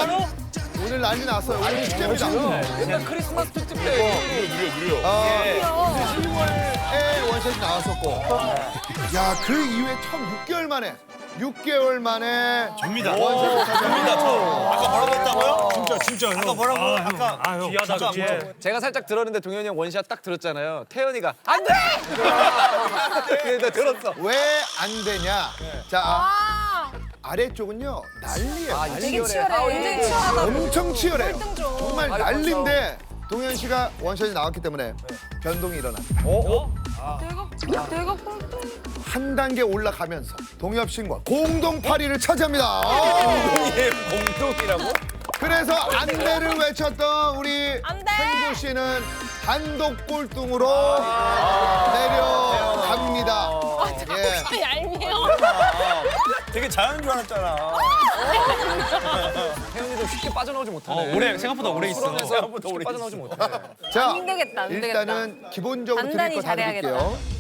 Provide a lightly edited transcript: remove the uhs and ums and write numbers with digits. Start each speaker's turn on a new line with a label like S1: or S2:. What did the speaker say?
S1: 진짜로?
S2: 오늘 난리 났어요. 오늘 축제입니다.
S1: 옛날 크리스마스 특집 때.
S3: 느려.
S2: 10월에 원샷이 나왔었고. 야, 그 이후에 처음 6개월 만에
S3: 접니다.
S2: 원샷을
S3: 접니다. 아까 뭐라고 했다고요?
S4: 진짜 형.
S3: 아까 뭐라고? 아까
S4: 귀하다
S3: 진짜
S4: 그치?
S1: 제가 살짝 들었는데 동현이 형 원샷 딱 들었잖아요. 태연이가 안 돼! 나 들었어.
S2: 왜 안 되냐? 자, 아래쪽은요 난리예요.
S5: 되게 치열해. 굉장히 치열하다.
S2: 엄청 치열해요.
S5: 꼴등조.
S2: 정말 난리인데 동현 씨가 원샷이 나왔기 때문에 변동이 일어납니다.
S5: 내가 꼴등.
S2: 한 단계 올라가면서 동엽 씨과 공동 8위를 차지합니다.
S1: 공동이라고?
S2: 그래서 안돼를 외쳤던 우리
S5: 안 돼!
S2: hen조 씨는 단독 꼴등으로 내려갑니다. 예.
S5: 얄미워.
S3: 되게 자연인 줄 알았잖아.
S1: 태연이도 쉽게 빠져나오지 못하네.
S4: 오래 생각보다 오래 있어.
S1: 생각보다 쉽게 빠져나오지 못해.
S2: 자,
S5: 안 되겠다, 안 되겠다.
S2: 일단은 기본적으로 드릴
S5: 단단히
S2: 거 다
S5: 잘해야겠다.
S2: 드릴게요.